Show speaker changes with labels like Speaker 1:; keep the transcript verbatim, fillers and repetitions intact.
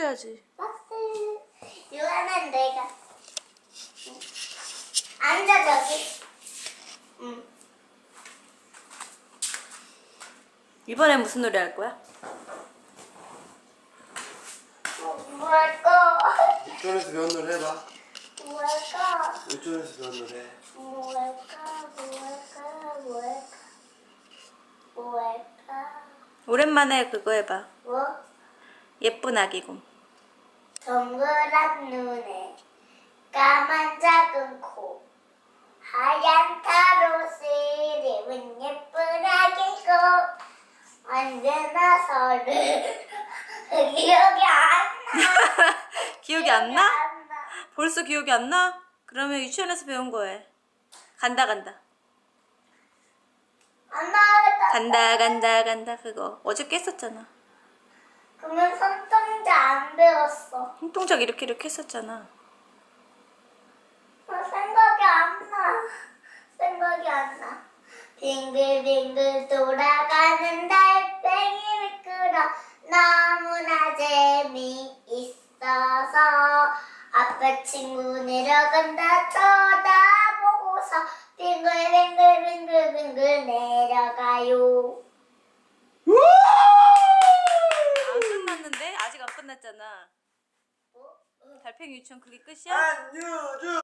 Speaker 1: 해야지.
Speaker 2: 박스. 유아는 내가. 응. 앉아 저기. 응.
Speaker 1: 이번엔 무슨 노래 할 거야?
Speaker 2: 뭐, 뭐 할까?
Speaker 3: 유치원에서 배운 노래 해봐.
Speaker 2: 뭐 할까?
Speaker 3: 유치원에서 배운 노래.
Speaker 2: 뭐 할까? 뭐 할까? 뭐 할까? 뭐 할까?
Speaker 1: 오랜만에 그거 해봐.
Speaker 2: 뭐?
Speaker 1: 예쁜 아기곰.
Speaker 2: 동그란 눈에 까만 작은 코 하얀 타로스를 입은 예쁜 아기고 언제나 서를 기억이 안 나.
Speaker 1: 기억이 안 나?
Speaker 2: 안 나.
Speaker 1: 벌써 기억이 안 나? 그러면 유치원에서 배운 거에 간다 간다
Speaker 2: 안 나겠다.
Speaker 1: 간다 간다 간다 그거 어저께 했었잖아.
Speaker 2: 그러면 손동작 안 배웠어.
Speaker 1: 홍동작 이렇게 이렇게 했었잖아.
Speaker 2: 나 생각이 안 나. 생각이 안 나. 빙글빙글 돌아가는 달팽이 미끄러 너무나 재미있어서 앞에 친구 내려간다 쳐다보고서 빙글빙글빙글빙글 내려가요.
Speaker 1: 안 끝났는데? 아직 안 끝났잖아. 달팽이 유치원 그게 끝이야?
Speaker 3: 안유주.